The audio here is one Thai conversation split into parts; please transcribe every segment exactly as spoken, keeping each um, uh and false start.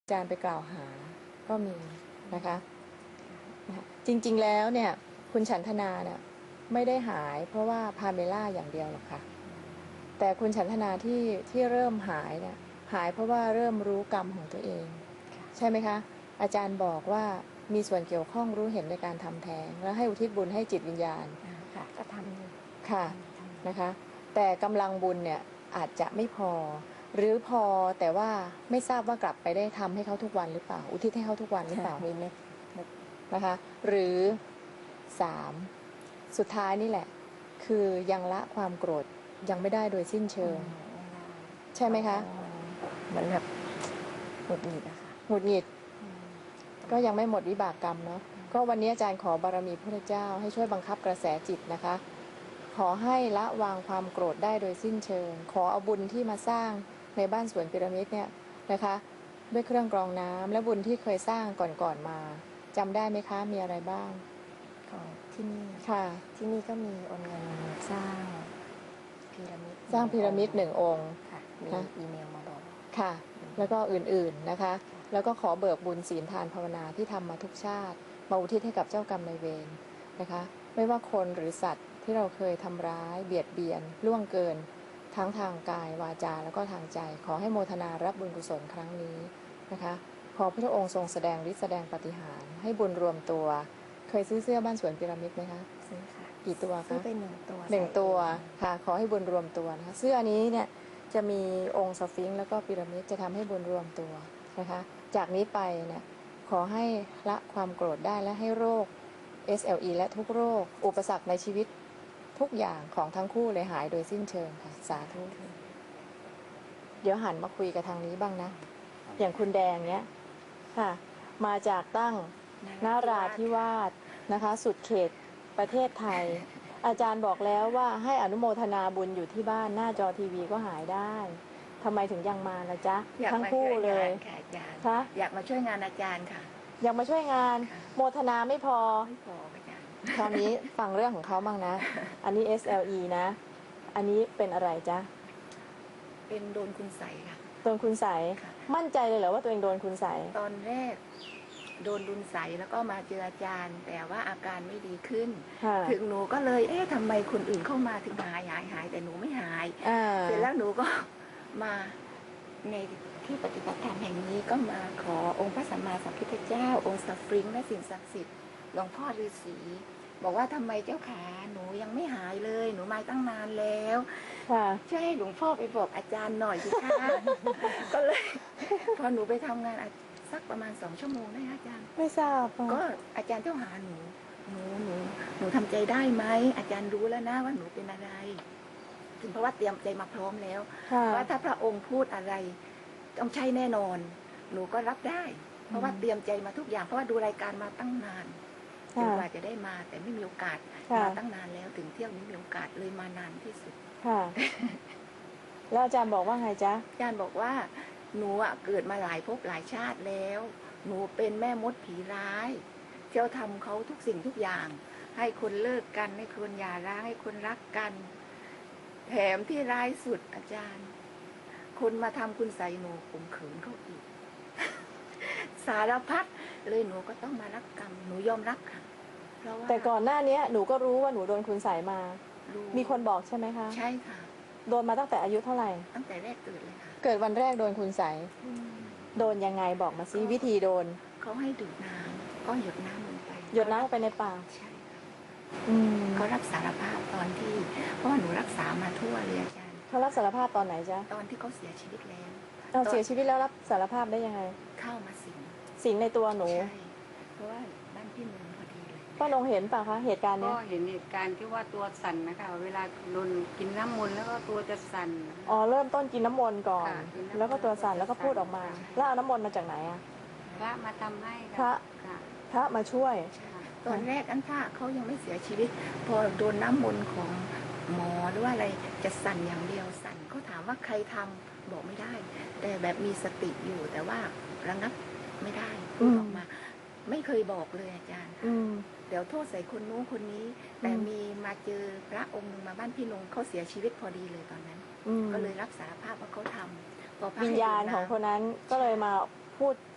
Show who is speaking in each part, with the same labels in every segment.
Speaker 1: อาจารย์ไปกล่าวหาก็มีนะคะจริงๆแล้วเนี่ยคุณฉันทนาเนี่ยไม่ได้หายเพราะว่าพาเมล่าอย่างเดียวหรอกค่ะแต่คุณฉันทนาที่ที่เริ่มหายเนี่ยหายเพราะว่าเริ่มรู้กรรมของตัวเองใช่ไหมคะอาจารย์บอกว่ามีส่วนเกี่ยวข้องรู้เห็นในการทำแท้งแล้วให้อุทิศบุญให้จิตวิญญาณ
Speaker 2: ค่ะก็ทำอยู่
Speaker 1: ค่ะนะคะแต่กำลังบุญเนี่ยอาจจะไม่พอหรือพอแต่ว่าไม่ทราบว่ากลับไปได้ทำให้เขาทุกวันหรือเปล่าอุทิศให้เขาทุกวันหรือเปล่า
Speaker 2: มีเม็ด
Speaker 1: นะคะหรือสามสุดท้ายนี่แหละคือยังละความโกรธยังไม่ได้โดยสิ้นเชิงใช่ไหมคะ
Speaker 2: เหมือนแบบหงุดหงิดอะค่ะ
Speaker 1: หงุดหงิดก็ยังไม่หมดวิบากกรรมเนาะก็วันนี้อาจารย์ขอบารมีพระเจ้าให้ช่วยบังคับกระแสจิตนะคะขอให้ละวางความโกรธได้โดยสิ้นเชิงขอเอาบุญที่มาสร้างในบ้านสวนพีระมิดเนี่ยนะคะด้วยเครื่องกรองน้ำและบุญที่เคยสร้างก่อนๆมาจำได้ไหมคะมีอะไรบ้าง
Speaker 2: ของที่นี่
Speaker 1: ค่ะ
Speaker 2: ที่นี่ก็มีโอนเงินสร้างพีระมิด
Speaker 1: สร้างพีระมิดหนึ่งองค์
Speaker 2: ค่ะมีอีเมลมาบอก
Speaker 1: ค่ะแล้วก็อื่นๆนะคะแล้วก็ขอเบิกบุญศีลทานภาวนาที่ทำมาทุกชาติมาอุทิศให้กับเจ้ากรรมนายเวรนะคะไม่ว่าคนหรือสัตว์ที่เราเคยทำร้ายเบียดเบียนล่วงเกินทั้งทางกายวาจาแล้วก็ทางใจขอให้โมทนารับบุญกุศลครั้งนี้นะคะขอพระองค์ทรงแสดงฤทธิ์แสดงปาฏิหาริย์ให้บุญรวมตัวเคยซื้อเสื้อบ้านสวนพีระมิดไหมคะ
Speaker 2: ซื้อค่ะ
Speaker 1: กี่ตัวคะ
Speaker 2: ซื้อไปหนึ่งตัว
Speaker 1: หนึ่งตัวค่ะขอให้บุญรวมตัวนะคะเสื้อนี้เนี่ยจะมีองค์สฟิงค์แล้วก็พีระมิดจะทำให้บุญรวมตัวนะคะจากนี้ไปเนี่ยขอให้ละความโกรธได้และให้โรค เอส แอล อี และทุกโรคอุปสรรคในชีวิตทุกอย่างของทั้งคู่เลยหายโดยสิ้นเชิงค่ะสาธุเดี๋ยวหันมาคุยกับทางนี้บ้างนะอย่างคุณแดงเนี้ยค่ะมาจากตั้งนาราธิวาสนะคะสุดเขตประเทศไทยอาจารย์บอกแล้วว่าให้อนุโมทนาบุญอยู่ที่บ้านหน้าจอทีวีก็หายได้ทำไมถึงยังมาล่ะจ๊ะทั้งคู่เลย
Speaker 3: ค่ะอยากมาช่วยงานอาจารย์ค่ะ
Speaker 1: อยากมาช่วยงานโมทนาไม่พอ
Speaker 3: ไม่พออาจารย์
Speaker 1: คราวนี้ฟังเรื่องของเขาบ้างนะอันนี้ เอส แอล อี นะอันนี้เป็นอะไรจ๊ะ
Speaker 3: เป็นโดนคุณใสค่ะ
Speaker 1: โดนคุณใสมั่นใจเลยเหรอว่าตัวเองโดนคุณใส
Speaker 3: ตอนแรกโดนดุลใสแล้วก็มาเจออาจารย์แต่ว่าอาการไม่ดีขึ้นถึงหนูก็เลยเอ๊ะทำไมคนอื่นเข้ามาถึงหายหายหายแต่หนูไม่หายเสร็จแล้วหนูก็มาในที่ปฏิบัติธรรมแห่งนี้ก็มาขอองค์พระสัมมาสัมพุทธเจ้าองค์สัฟริงและสิ่งศักดิ์สิทธิ์หลวงพ่อฤาษีบอกว่าทำไมเจ้าขาหนูยังไม่หายเลยหนูมาตั้งนานแล้วช่วยให้หลวงพ่อไปบอกอาจารย์หน่อยสิคะก็เลยพอหนูไปทำงานสักประมาณสองชั่วโมงได้อาจารย์
Speaker 1: ไม่ทราบ
Speaker 3: ก็อาจารย์เจ้าหาหนูหนูหนูหนูทำใจได้ไหมอาจารย์รู้แล้วนะว่าหนูเป็นอะไรถึงเพราะว่าเตรียมใจมาพร้อมแล้วว่าถ้าพระองค์พูดอะไรต้องใช่แน่นอนหนูก็รับได้เพราะว่าเตรียมใจมาทุกอย่างเพราะว่าดูรายการมาตั้งนานจนกว่าจะได้มาแต่ไม่มีโอกาสมาตั้งนานแล้วถึงเที่ยวนี้มีโอกาสเลยมานานที่สุด
Speaker 1: ค่ะแล้วอาจารย์บอกว่าไงจ๊ะ
Speaker 3: อาจารย์บอกว่าหนูอะเกิดมาหลายภพหลายชาติแล้วหนูเป็นแม่มดผีร้ายเจ้าทำเขาทุกสิ่งทุกอย่างให้คนเลิกกันให้คนหย่าร้างให้คนรักกันแถมที่ร้ายสุดอาจารย์คนมาทำคุณใส่หนูข่มขืนเขาอีกสารพัดเลยหนูก็ต้องมารับกรรมหนูยอมรับค่ะ
Speaker 1: เพราะว่าแต่ก่อนหน้านี้หนูก็รู้ว่าหนูโดนคุณใส่มามีคนบอกใช่ไหมคะ
Speaker 3: ใช่ค่ะ
Speaker 1: โดนมาตั้งแต่อายุเท่าไหร่
Speaker 3: ตั้งแต่แรกเกิดเลยค่ะ
Speaker 1: เกิดวันแรกโดนคุณใส่โดนยังไงบอกมาซิวิธีโดน
Speaker 3: เขาให้ดื่มน้ำก็หยดน้ำลงไป
Speaker 1: หยดน้ำลงไปในปาก
Speaker 3: ใช่เขารับสารภาพตอนที่เพราะว่าหนูรักษามาทั่วเลยอาจารย์
Speaker 1: เขารับสารภาพตอนไหนจ๊ะ
Speaker 3: ตอนที่เขาเสียชีวิตแล้ว
Speaker 1: เราเสียชีวิตแล้วรับสารภาพได้ยังไง
Speaker 3: เข้ามาสิง
Speaker 1: สิงในตัวหนู
Speaker 3: ใช่เพราะว่าบ้านพี่หนูพอดีเลย
Speaker 1: ป้านงเห็นป่ะคะเหตุการณ์นี้
Speaker 4: ก็เห็นเหตุการณ์ที่ว่าตัวสั่นนะคะเวลาโดนกินน้ำมนต์แล้วก็ตัวจะสั่น
Speaker 1: อ๋อเริ่มต้นกินน้ำมนต์ก่อนแล้วก็ตัวสั่นแล้วก็พูดออกมาแล้วเอาน้ำมนต์มาจากไหนอ่ะ
Speaker 4: พระมาทำให้
Speaker 1: พระพระมาช่วย
Speaker 3: ตอนแรกอันท่าเขายังไม่เสียชีวิตพอโดนน้ำมนต์ของหมอหรือว่าอะไรจะสั่นอย่างเดียวสั่นเขาถามว่าใครทำบอกไม่ได้แต่แบบมีสติอยู่แต่ว่าระงับไม่ได้พูดออกมาไม่เคยบอกเลยอาจารย์เดี๋ยวโทษใส่คนนู้นคนนี้แต่มีมาเจอพระองค์หนึ่งมาบ้านพี่นงเขาเสียชีวิตพอดีเลยตอนนั้นก็เลยรับสารภาพว่าเขาทำพอ
Speaker 1: วิญญาณของคนนั้นก็เลยมาพูด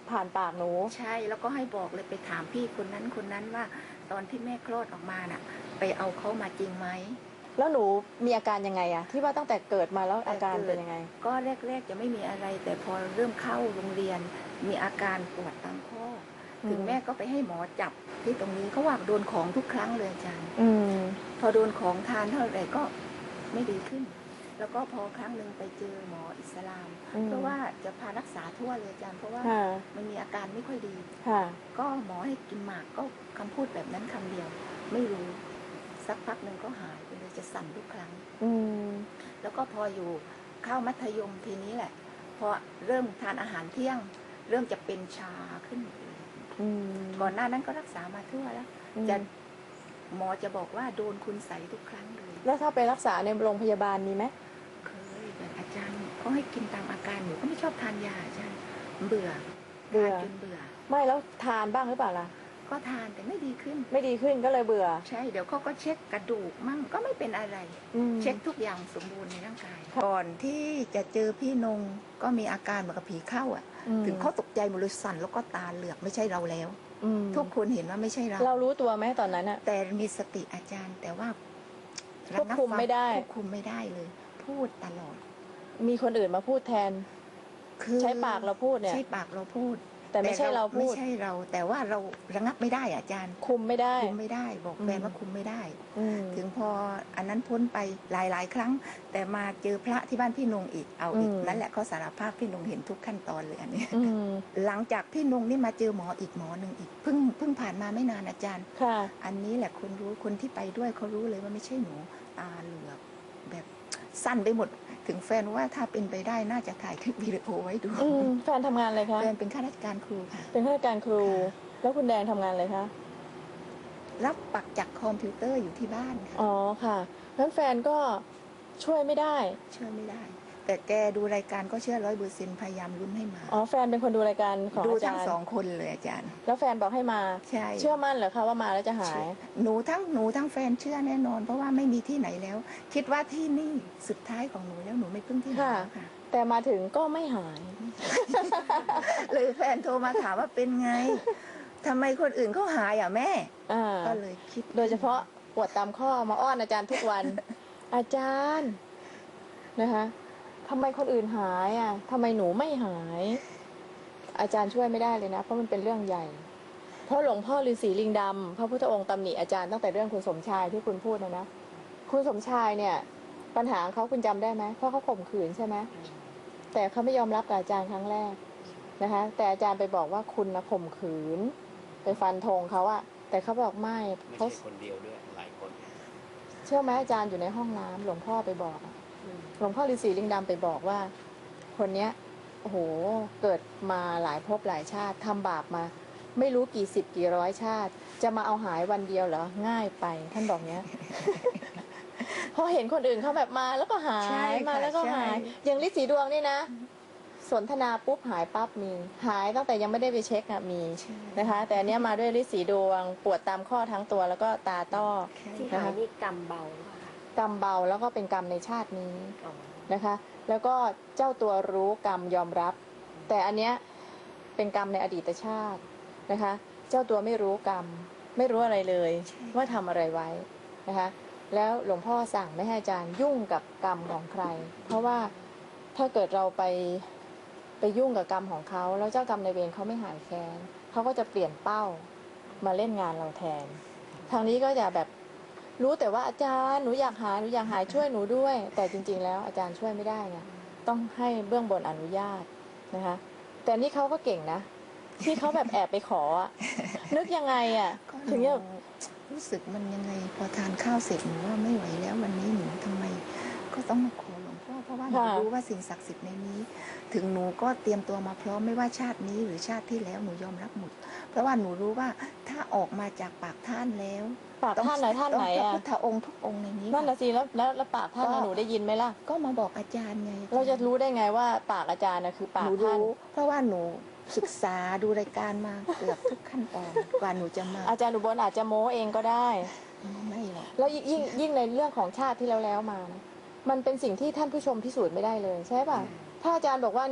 Speaker 1: ผ่านปากหนู
Speaker 3: ใช่แล้วก็ให้บอกเลยไปถามพี่คนนั้นคนนั้นว่าตอนที่แม่คลอดออกมาน่ะ ไปเอาเขามาจริงไหม
Speaker 1: แล้วหนูมีอาการยังไงอะที่ว่าตั้งแต่เกิดมาแล้วอาการเป็นยังไง
Speaker 3: ก็แรกๆจะไม่มีอะไร แต่พอเริ่มเข้าโรงเรียน มีอาการปวดตามข้ออ
Speaker 1: ม
Speaker 3: ถึงแม่ก็ไปให้หมอจับที่ตรงนี้เขาว่าโดนของทุกครั้งเลยอาจารย์
Speaker 1: อืม
Speaker 3: พอโดนของทานเท่าไหร่ก็ไม่ดีขึ้น แล้วก็พอครั้งหนึ่งไปเจอหมออิสลาม
Speaker 1: อืม
Speaker 3: เพราะว่าจะพารักษาทั่วเลยอาจารย์เพราะว่า
Speaker 1: ค่ะ
Speaker 3: มันมีอาการไม่ค่อยดี
Speaker 1: ค่ะ
Speaker 3: ก็หมอให้กินหมากก็คำพูดแบบนั้นคำเดียว ไม่รู้สักพักหนึ่งก็หายไปเลยจะสั่นทุกครั้ง
Speaker 1: อืม
Speaker 3: แล้วก็พออยู่เข้ามัธยมทีนี้แหละ พอเริ่มทานอาหารเที่ยง เริ่มจะเป็นชาขึ้นหมดเลย
Speaker 1: อืม
Speaker 3: ก่อนหน้านั้นก็รักษามาทั่วแล้ว
Speaker 1: อืม
Speaker 3: จะหมอจะบอกว่าโดนคุณใสทุกครั้งเลย
Speaker 1: แล้วถ้าไปรักษาในโรงพยาบาลมีไหม
Speaker 3: เคยแบบอาจารย์เขาให้กินตามอาการหนูก็ไม่ชอบทานยาอาจารย์เบื่อ
Speaker 1: เบื่อ
Speaker 3: ทานจนเบื่อ
Speaker 1: ไม่แล้วทานบ้างหรือเปล่าล่ะ
Speaker 3: ก็ทานแต่ไม่ดีขึ้น
Speaker 1: ไม่ดีขึ้นก็เลยเบื่อ
Speaker 3: ใช่เดี๋ยวเขาก็เช็คกระดูกมั่งก็ไม่เป็นอะไร
Speaker 1: อืม
Speaker 3: เช็คทุกอย่างสมบูรณ์ในร่างกาย
Speaker 1: ค่ะ
Speaker 3: ก่อนที่จะเจอพี่นงก็มีอาการเหมือนกับผีเข้าอ่ะ
Speaker 1: อืม
Speaker 3: ถึงเขาตกใจหมดเลยสั่นแล้วก็ตาเหลือกไม่ใช่เราแล้ว
Speaker 1: อืม
Speaker 3: ทุกคนเห็นว่าไม่ใช่เรา
Speaker 1: เรารู้ตัวไหมตอนนั้นอะ
Speaker 3: แต่มีสติอาจารย์ แต่ว่า
Speaker 1: ควบคุมไม่ได้
Speaker 3: ควบคุมไม่ได้เลย พูดตลอด
Speaker 1: มีคนอื่นมาพูดแทน
Speaker 3: คือ
Speaker 1: ใช้ปากเราพูดเนี่ย
Speaker 3: ใช้ปากเราพูด
Speaker 1: แต่ไม่ใช่เราพูด
Speaker 3: ไม่ใช่เรา แต่ว่าเราระงับไม่ได้อะอาจารย์
Speaker 1: คุมไม่ได้
Speaker 3: คุมไม่ได้ บอกแฟน
Speaker 1: อืม
Speaker 3: ว่าคุมไม่ได้
Speaker 1: อืม
Speaker 3: ถึงพออันนั้นพ้นไปหลายๆ ครั้ง แต่มาเจอพระที่บ้านพี่นงอีกเอาอีก
Speaker 1: อืม
Speaker 3: นั่นแหละเขาสารภาพพี่นงเห็นทุกขั้นตอนเลยอันนี้
Speaker 1: อืม
Speaker 3: หลังจากพี่นงนี่มาเจอหมออีกหมอหนึ่งอีกเพิ่งเพิ่งผ่านมาไม่นานอาจารย์
Speaker 1: ค่ะ
Speaker 3: อันนี้แหละคนรู้คนที่ไปด้วยเขารู้เลยว่าไม่ใช่หนูตาเหลือกแบบสั้นไปหมด ถึงแฟนว่าถ้าเป็นไปได้น่าจะถ่ายคลิปวิดีโอไว้ดู
Speaker 1: อืมแฟนทำงานอะไรคะ
Speaker 3: แฟนเป็นข้าราชการครูค่ะ
Speaker 1: เป็นข้าราชการครู
Speaker 3: ค่ะ
Speaker 1: แล้วคุณแดงทำงานอะไรคะ
Speaker 3: รับปักจากคอมพิวเตอร์อยู่ที่บ้านค่ะ
Speaker 1: อ๋อค่ะงั้นแฟนก็ช่วยไม่ได้
Speaker 3: เชื่อไม่ได้ แต่แกดูรายการก็เชื่อร้อยเปอร์เซ็นต์พยายามลุ้นให้มา
Speaker 1: อ๋อแฟนเป็นคนดูรายการของ
Speaker 3: ดู
Speaker 1: อาจา
Speaker 3: ทั้ง
Speaker 1: รย์
Speaker 3: สองคนเลยอาจารย์
Speaker 1: แล้วแฟนบอกให้มา
Speaker 3: ใช่
Speaker 1: เชื่อมั่นเหรอคะว่ามาแล้วจะหาย
Speaker 3: หนูทั้งหนูทั้งแฟนเชื่อแน่นอน เพราะว่าไม่มีที่ไหนแล้ว คิดว่าที่นี่สุดท้ายของหนูแล้วหนูไม่พึ่งที่ไหน
Speaker 1: ค่ะ
Speaker 3: แล้วค่ะ
Speaker 1: แต่มาถึงก็ไม่หาย
Speaker 3: เลยแฟนโทรมาถามว่าเป็นไงทำไมคนอื่นเขาหายอ่ะแม่
Speaker 1: อ่า
Speaker 3: ก็เลยคิด
Speaker 1: โดยเฉพาะปวดตามข้อมาอ้อนอาจารย์ทุกวัน อาจารย์นะคะทำไมคนอื่นหายอ่ะทำไมหนูไม่หาย อาจารย์ช่วยไม่ได้เลยนะ เพราะมันเป็นเรื่องใหญ่ เพราะหลวงพ่อฤาษีลิงดำพระพุทธองค์ตำหนิอาจารย์ตั้งแต่เรื่องคุณสมชายที่คุณพูดนะนะคุณสมชายเนี่ย ปัญหาของเขาคุณจำได้ไหมเพราะเขาข่มขืนใช่ไหมแต่เขาไม่ยอมรับกับอาจารย์ครั้งแรกนะคะ แต่อาจารย์ไปบอกว่าคุณนะข่มขืน ไปฟันธงเขาอะแต่เขาบอกไม่
Speaker 5: ไม่
Speaker 1: เขา
Speaker 5: ใช่คนเดียวด้วยหลายคน
Speaker 1: เชื่อไหมอาจารย์อยู่ในห้องน้ำหลวงพ่อไปบอกอะหลวงพ่อฤาษีลิงดำไปบอกว่า คนเนี้ยโอ้โหเกิดมาหลายภพหลายชาติทำบาปมา ไม่รู้กี่สิบกี่ร้อยชาติ จะมาเอาหายวันเดียวเหรอง่ายไปท่านบอกเนี้ย พอเห็นคนอื่นเขาแบบมาแล้วก็หา
Speaker 3: ใช่
Speaker 1: ย
Speaker 3: ค่ะ
Speaker 1: มาแล้วก็
Speaker 3: ใช่
Speaker 1: หาย อย่างฤทธิ์สีดวงนี่นะ สนทนาปุ๊บหายปั๊บมี หายตั้งแต่ยังไม่ได้ไปเช็คอะมี
Speaker 3: ใช่
Speaker 1: นะคะ แต่อันเนี้ยมาด้วยฤทธิ์สีดวง ปวดตามข้อทั้งตัวแล้วก็ตาต้อ
Speaker 2: ที่หายนี่กำเบาหรือเปล่าคะ
Speaker 1: กรรมเบาแล้วก็เป็นกรรมในชาตินี้
Speaker 2: อ๋อ
Speaker 1: นะคะ แล้วก็เจ้าตัวรู้กรรมยอมรับ แต่อันเนี้ยเป็นกรรมในอดีตชาตินะคะ เจ้าตัวไม่รู้กรรม ไม่รู้อะไรเลย ว่าทำอะไรไว้นะคะ แล้วหลวงพ่อสั่งไม่ให้อาจารย์ยุ่งกับกรรมของใคร เพราะว่าถ้าเกิดเราไปไปยุ่งกับกรรมของเขาแล้วเจ้ากรรมในายเวรเขาไม่หายแค้นเขาก็จะเปลี่ยนเป้ามาเล่นงานเราแทน ทางนี้ก็จะแบบรู้แต่ว่าอาจารย์หนูอยากหายหนูอยากหายช่วยหนูด้วย แต่จริง ๆ แล้วอาจารย์ช่วยไม่ได้ไงต้องให้เบื้องบนอนุญาตนะคะ แต่นี่เขาก็เก่งนะ ที่เขาแบบแอบไปขออะนึกยังไงอ่ะ
Speaker 3: ก็ห
Speaker 1: ถึง
Speaker 3: นู
Speaker 1: จะ
Speaker 3: รู้สึกมันยังไงพอทานข้าวเสร็จหนูว่าไม่ไหวแล้ววันนี้หนูทำไม ก็ต้องมาขอหลวงพ่อเพราะว่าหนู
Speaker 1: ค่ะ
Speaker 3: รู้ว่าสิ่งศักดิ์สิทธิ์ในนี้ ถึงหนูก็เตรียมตัวมาพร้อมไม่ว่าชาตินี้หรือชาติที่แล้วหนูยอมรับหมด เพราะว่าหนูรู้ว่าถ้าออกมาจากปากท่านแล้ว
Speaker 1: ปากท่านไหนท่านไหน
Speaker 3: ต้องพระ
Speaker 1: อ่ะ
Speaker 3: พุทธองค์ทุกองค์ในนี้
Speaker 1: นั่น
Speaker 3: ค่ะ
Speaker 1: นะสิแล้วแล้วแล้วปากท่านน่ะหนูได้ยินไหมล่ะ
Speaker 3: ก็มาบอกอาจารย์ไง
Speaker 1: เราจะรู้ได้ไงว่าปากอาจารย์นะคือปา
Speaker 3: ห
Speaker 1: ก
Speaker 3: นู
Speaker 1: ท่าน
Speaker 3: รู้เพราะว่าหนูศึกษาดูรายการมาเกือบทุกขั้นตอนกว่าหนูจะมา
Speaker 1: อาจารย์อุบลอาจจะโม้เองก็ได้
Speaker 3: ไม่หรอก
Speaker 1: แล้วยิ่งยิ่งในเรื่องของชาติที่แล้วแล้วมานะมันเป็นสิ่งที่ท่านผู้ชมพิสูจน์ไม่ได้เลยใช่ป่ะถ้าอาจารย์บอกว่าเนี่ย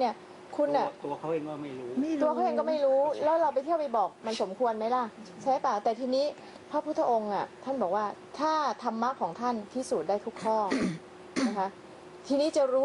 Speaker 1: คุณ
Speaker 5: ตัว
Speaker 1: อ่ะ
Speaker 5: ตัวเขาเองก็ไม่รู้
Speaker 3: ไม่รู้
Speaker 1: ตัวเขาเองก็ไม่รู้ แล้วเราไปเที่ยวไปบอกมันสมควรไหมล่ะ ใช่ป่ะ แต่ทีนี้พระพุทธองค์อ่ะท่านบอกว่าถ้าธรรมะของท่านพิสูจน์ได้ทุกข้อ นะคะ ทีนี้จะรู้